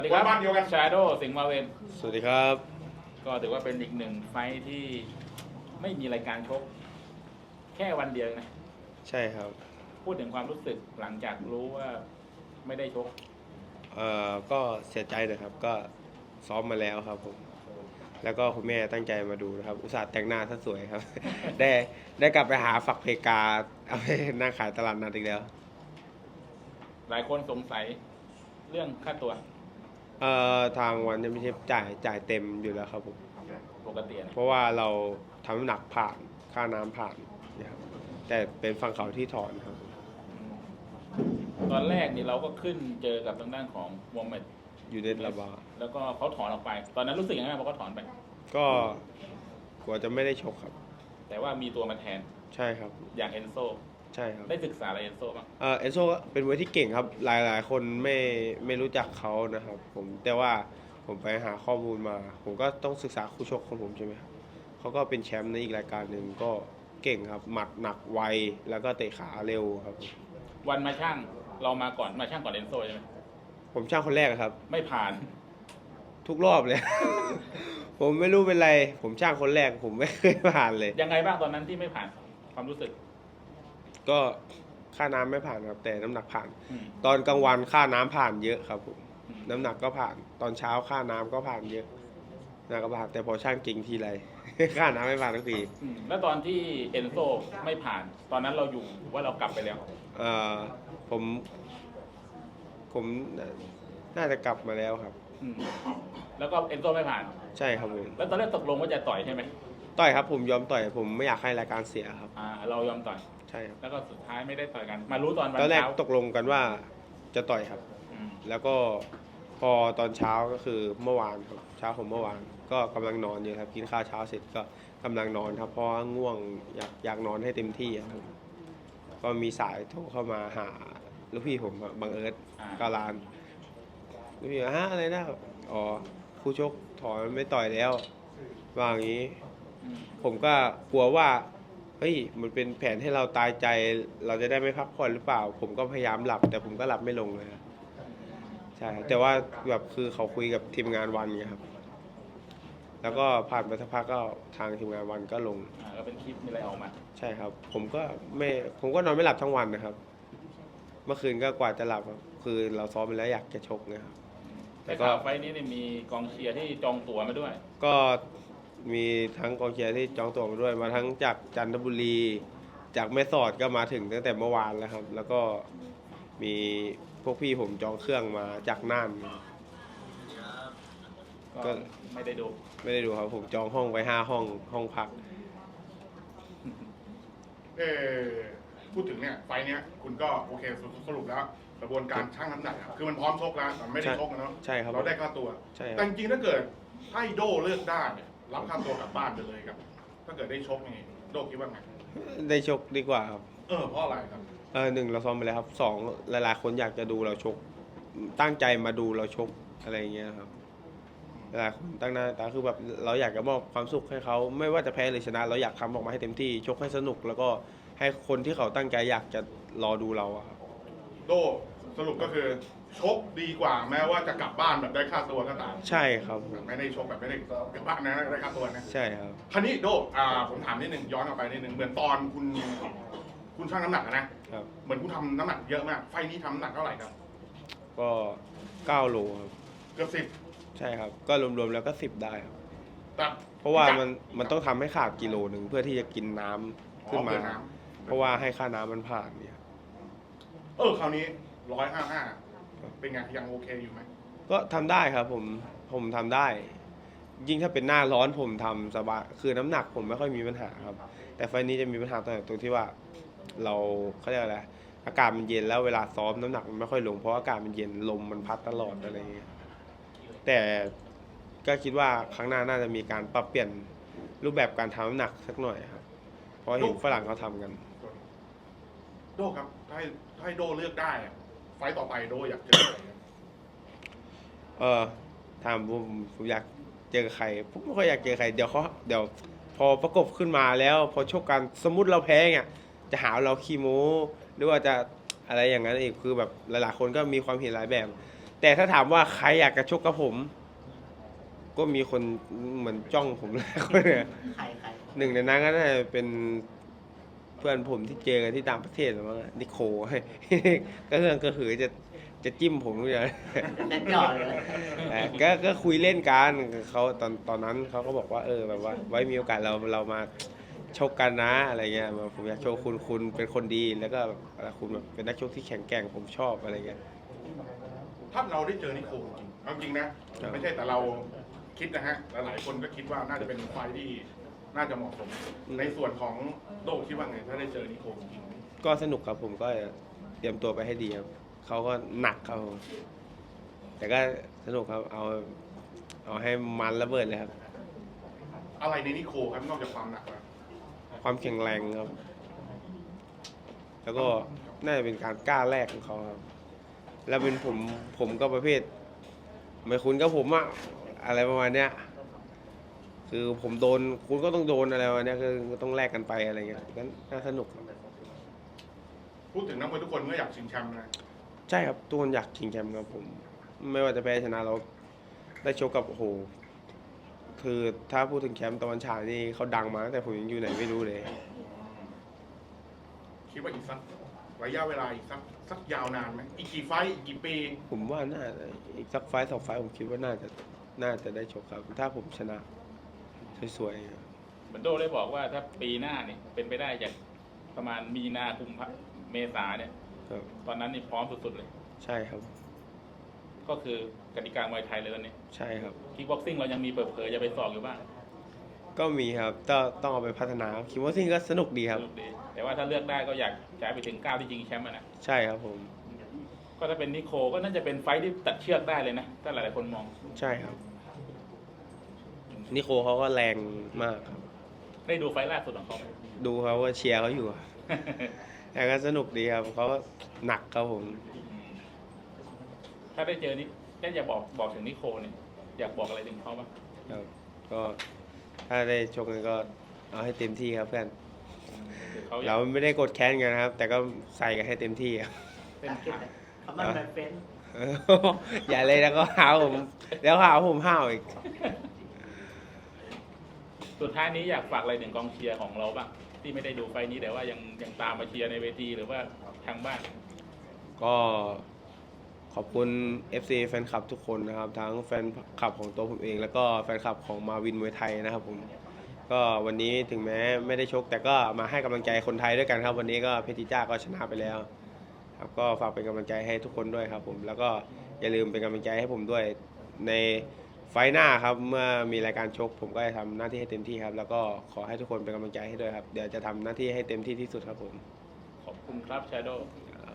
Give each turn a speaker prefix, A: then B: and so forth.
A: สวัสดีครับ
B: บ้านเดียวกัน
A: ชาโดสิงห์มาเวน
C: สวัสดีครับ
A: ก็ถือว่าเป็นอีกหนึ่งไฟท์ที่ไม่มีรายการชกแค่วันเดียวนะ
C: ใช่ครับ
A: พูดถึงความรู้สึกหลังจากรู้ว่าไม่ได้ชก
C: ก็เสียใจนะครับ ก็ซ้อมมาแล้วครับผม แล้วก็คุณแม่ตั้งใจมาดูนะครับ อุตส่าห์แต่งหน้าซะสวยครับ ได้กลับไปหาฝักเพกาเอาไปนั่งขายตลาดนัดอีกแล้ว
A: หลายคนสงสัยเรื่องค่าตัว
C: ทางวันจะไม่ใช่จ่ายเต็มอยู่แล้วครับผม
A: ปกตินะ
C: เพราะว่าเราทำน้ำหนักผ่านค่าน้ำผ่านนะครับ แต่เป็นฝั่งเขาที่ถอนครับ
A: ตอนแรกนี่เราก็ขึ้นเจอกับทางด้านของมูฮัมหมัด
C: อยู่ในระบา
A: แล้วก็เขาถอนออกไป ตอนนั้นรู้สึกยังไงพอเขาถอนไป
C: ก็กลัวจะไม่ได้ชกครับ
A: แต่ว่ามีตัวมาแทน
C: ใช่ครับ
A: อย่างเอนโซ
C: ใช่ครับ
A: ได้ศึกษาอะไรเอนโซบ้าง
C: เอนโซเป็นมวยที่เก่งครับหลายคนไม่รู้จักเขานะครับผมแต่ว่าผมไปหาข้อมูลมา ผมก็ต้องศึกษาคู่ชกของผมใช่ไหมครับเขาก็เป็นแชมป์ในอีกรายการหนึ่งก็เก่งครับหมัดหนักไวแล้วก็เตะขาเร็วครับ
A: วันมาช่างเรามาก่อนมาช่างก่อนเอนโซใช่ไหม
C: ผมช่างคนแรกครับ
A: ไม่ผ่าน
C: ทุกรอบเลย ผมไม่รู้เป็นไร ผมช่างคนแรกผมไม่เคยผ่านเลย
A: ยังไงบ้างตอนนั้นที่ไม่ผ่านความรู้สึก
C: ก็ค่าน้ำไม่ผ่านครับแต่น้ำหนักผ่าน
A: อืม
C: ตอนกลางวันค่าน้ำผ่านเยอะครับผม
A: อืม
C: น้ำหนักก็ผ่าน ตอนเช้าค่าน้ำก็ผ่านเยอะน้ำก็ผ่านแต่พอช่างจริงทีไร ค่าน้ำไม่ผ่านทุกที
A: แล้วตอนที่เอนโซไม่ผ่าน ตอนนั้นเราอยู่ว่าเรากลับไปแล้ว
C: เอ่อผมผมน่าจะกลับมาแล้วครับ
A: อืมแล้วก็เอนโซไม่ผ่าน
C: ใช่ครับผม
A: แล้วตอนแรกตกลงว่าจะต่อยใช่ไหม
C: ต่อยครับผมยอมต่อยผมไม่อยากให้รายการเสียครับ
A: เรายอมต่อย
C: ใช่ครับ
A: แล้วก็สุดท้ายไม่ได้ต่อยกัน มารู้ตอนวัน
C: ตอนแรก
A: เช้า
C: ตกลงกันว่าจะต่อยครับ
A: อืม
C: แล้วก็พอตอนเช้าก็คือเมื่อวานครับเช้าของเมื่อวานก็กำลังนอนอยู่ครับกินข้าวเช้าเสร็จก็กำลังนอนครับเพราะว่าง่วงอยากนอนให้เต็มที่ครับก็มีสายโทรเข้ามาหาลูกพี่ผมครับบังเอิญกาลานลูกพี่ฮะอะไรนะอ๋อคู่ชกถอนไม่ต่อยแล้วว่าอย่างนี้
A: อืม
C: ผมก็กลัวว่าเฮ้ยมันเป็นแผนให้เราตายใจ เราจะได้ไม่พักผ่อนหรือเปล่า ผมก็พยายามหลับ แต่ผมก็หลับไม่ลงเลยครับใช่ครับแต่ว่าแบบคือเขาคุยกับทีมงานวันไงครับ แล้วก็ผ่านไปสักพักก็ทางทีมงานวันก็ลง
A: ก็เป็นคลิปมีอะไรออกมา
C: ใช่ครับ ผมก็นอนไม่หลับทั้งวันนะครับ เมื่อคืนก็กว่าจะหลับครับคือเราซ้อมไปแล้วอยากจะชกนะครับ
A: แต่ข่าวไฟล์นี้เนี่ยมีกองเชียร์ที่จองตั๋วมาด้วย
C: ก็มีทั้งกองเชียร์ที่จองตั๋วมาด้วยมาทั้งจากจันทบุรี จากแม่สอดก็มาถึงตั้งแต่เมื่อวานแล้วครับ แล้วก็มีพวกพี่ผมจองเครื่องมาจากน่าน
A: ก็ไม่ได้ดู
C: ไม่ได้ดูครับผมจองห้องไว้ห้องพัก
B: พูดถึงเนี่ยไฟล์เนี้ยคุณก็โอเคสรุปแล้วกระบวนการชั่งน้ำหนักอะคือมันพร้อมชกแล้วแต่ไม่ได้ชกนะเนาะ
C: ใช่ครับ
B: เราได้ค่าตัว
C: ใช่ครับ
B: แต่จริงๆถ้าเกิดให้โดเลือกได้เนี่ยรับค่าตัวกลับบ้านไปเลยครับ ถ้าเกิดได้ชกนี่โดคิดว่าไง
C: ได้ชกดีกว่าครับ
B: เพราะอะไรครับ
C: หนึ่งเราซ้อมไปแล้วครับสองหลายๆคนอยากจะดูเราชก ตั้งใจมาดูเราชกอะไรอย่างเงี้ยครับหลายคนตั้งหน้าตาคือแบบเราอยากจะมอบความสุขให้เขาไม่ว่าจะแพ้หรือชนะ เราอยากทำออกมาให้เต็มที่ชกให้สนุก แล้วก็ให้คนที่เขาตั้งใจอยากจะรอดูเราอะครับ
B: โดสรุปก็คือชกดีกว่าแม้ว่าจะกลับบ้านแบบได้ค่าตัวก็ตาม
C: ใช่ครับผม
B: ไม่ได้ชกแบบไม่ได้กลับบ้านนะได้ค่าตัวนะ
C: ใช่ครับ
B: คราวนี้โดผมถามนิดหนึ่งย้อนกลับไปนิดหนึ่งเหมือนตอนคุณชั่งน้ำหนักอะนะครับ เหมือนคุณทำน้ำหนักเยอะมากไฟล์นี้ทำน้ำหนักเท่าไหร่ครับ
C: ก็9โลครับ
B: เกือบ10
C: ใช่ครับ ก็รวมๆแล้วก็10ได้ครับ
B: แต่
C: เพราะว่ามันต้องทำให้ขาดกิโลหนึ่งเพื่อที่จะกินน้ำขึ้นมา
B: เพื่อน้
C: เพราะว่าให้ค่าน้ำมันผ่านเนี่ย
B: คราวนี้155เป็นไงยังโอเคอยู่ไหม
C: ก็ทำได้ครับผมทำได้ ยิ่งถ้าเป็นหน้าร้อนผมทำสบายคือน้ำหนักผมไม่ค่อยมีปัญหาครับ แต่ไฟล์นี้จะมีปัญหาตรงที่ว่าเราเขาเรียกอะไรอากาศมันเย็นแล้วเวลาซ้อมน้ำหนักมันไม่ค่อยลงเพราะอากาศมันเย็นลมมันพัดตลอดอะไรอย่างเงี้ยแต่ก็คิดว่าครั้งหน้าน่าจะมีการปรับเปลี่ยนรูปแบบการทำน้ำหนักสักหน่อยครับเพราะเห็นฝรั่งเขาทำกัน
B: โดครับถ้าให้โดเลือกได้อะไฟล์ต่อไปโดอยากเจออะไรครับ
C: ถามผมอยากเจอใครผมไม่ค่อยอยากเจอใครเดี๋ยวพอประกบขึ้นมาแล้วพอชกกันสมมุติเราแพ้เงี้ยจะหาเราขี้โม้หรือว่าจะอะไรอย่างนั้นอีกคือแบบหลายๆคนก็มีความเห็นหลายแบบแต่ถ้าถามว่าใครอยากจะชกกับผม ก็มีคนเหมือนจ้องผมเลยคนเนี่ย
D: ใคร
C: หนึ่งในนั้นก็น่าจะเป็นเพื่อนผมที่เจอกันที่ต่างประเทศหรือว่านิโค ก็เรื่องก็คือจะจิ้มผมอยู่เลย
D: เล่นหยอดเลย
C: ก็คุยเล่นกันเขาตอนนั้นเขาก็บอกว่าแบบว่าไว้มีโอกาสเรามาชกกันนะอะไรเงี้ยแบบผมอยากโชว์คุณเป็นคนดีแล้วก็แบบคุณแบบเป็นนักชกที่แข็งแกร่งผมชอบอะไรเงี้ย
B: ถ้าเราได้เจอนิโคจริงเอาจริงนะครับ ไม่ใช่แต่เราคิดนะฮะหลายๆคนก็คิดว่าน่าจะเป็นไฟล์ที่น่าจะเหมาะสม ในส่วนของโดคิดว่าไงถ้าได้เจอนิโคจริง
C: ก็สนุกครับผมก็เตรียมตัวไปให้ดีครับเขาก็หนักครับผมแต่ก็สนุกครับเอาให้มันระเบิดเลยครับ
B: อะไรในนิโคครับนอกจากความหนักแล้ว
C: ความแข็งแรงครับ แล้วก็น่าจะเป็นการกล้าแลกของเขาครับ แล้วเป็นผมก็ประเภท ไม่คุณก็ผมอะอะไรประมาณเนี้ย คือผมโดนคุณก็ต้องโดนอะไรประมาณเนี้ยคือต้องแลกกันไปอะไรเงี้ยก็น่าสนุกครับ
B: พูดถึงนักมวยทุกคนก็อยากชิงแชมป์นะ
C: ใช่ครับทุกคนอยากชิงแชมป์ครับผม ไม่ว่าจะแพ้ชนะเราได้ชกกับโอ้โหคือถ้าพูดถึงแชมป์ตะวันฉายนี่เขาดังมาตั้งแต่ผมยังอยู่ไหนไม่รู้เลย
B: คิดว่าอีกสักระยะเวลาอีกสักยาวนานไหมอีกกี่ไฟต์อีกกี่ปี
C: ผมว่าน่าจะอีกสักไฟต์สองไฟต์ผมคิดว่าน่าจะได้ชกครับ ถ้าผมชนะสวยๆครับ
A: เหมือนโดได้บอกว่าถ้าปีหน้านี่เป็นไปได้จากประมาณมีนาคมเมษาเนี่ย
C: ครับ
A: ตอนนั้นนี่พร้อมสุดๆเลย
C: ใช่ครับ
A: ก็คือกติกามวยไทยเลยตอนนี้
C: ใช่ครับ
A: คิกบ็อกซิ่งเรายังมีเปิดเผยจะไปสอบอยู่บ้าง
C: ก็มีครับต้องเอาไปพัฒนาคิดว่าสิ่งก็สนุกดีครับ
A: สนุกดีแต่ว่าถ้าเลือกได้ก็อยากจะไปถึง9ที่จริงแชมป์อะนะ
C: ใช่ครับผม
A: ก็ถ้าเป็นนิโคก็น่าจะเป็นไฟท์ที่ตัดเชือกได้เลยนะถ้าหลายๆคนมอง
C: ใช่ครับนิโคเขาก็แรงมากครับ
A: ได้ดูไฟท์ล่าสุดของเขาไหม
C: ดูเขาว่าเชียร์เขาอยู่ แต่ก็สนุกดีครับเขาก็หนักครับผม
A: ถ้าได้เจอนี่ได้จะบอกถึงนิโคเนี่ยอยากบอกอะไรถึงเขาบ้าง
C: ครับก็ถ้าได้ชกกันก็เอาให้เต็มที่ครับเพื่อน
A: คือเขาอยา
C: เรา
A: ก
C: ไม่ได้กดแค้นกันนะครับ แต่ก็ใส่กันให้เต็มที่ครับ
A: เป็น
D: ตัดเก็บ
A: ขา
D: เลยคำว่าแบบเฟ้น
C: อย่าเลยแล้วก็หาผมแล้วหาผมห้าวอีก
A: สุดท้ายนี้อยากฝากอะไรถึงกองเชียร์ของเราบ้างที่ไม่ได้ดูไฟท์นี้แต่ว่ายังตามมาเชียร์ในเวทีหรือว่าทางบ้าน
C: ก็ขอบคุณ FC แฟนคลับทุกคนนะครับ ทั้งแฟนคลับของตัวผมเอง แล้วก็แฟนคลับของมาวินมวยไทยนะครับผมก็วันนี้ถึงแม้ไม่ได้ชก แต่ก็มาให้กำลังใจคนไทยด้วยกันครับ วันนี้ก็เพชรจ้าก็ชนะไปแล้วครับก็ฝากเป็นกำลังใจให้ทุกคนด้วยครับผมแล้วก็อย่าลืมเป็นกำลังใจให้ผมด้วยในไฟล์หน้าครับเมื่อมีรายการชก ผมก็จะทำหน้าที่ให้เต็มที่ครับ แล้วก็ขอให้ทุกคนเป็นกำลังใจให้ด้วยครับเดี๋ยวจะทำหน้าที่ให้เต็มที่ที่สุดครับผม
A: ขอบคุณครับชาโด
C: ค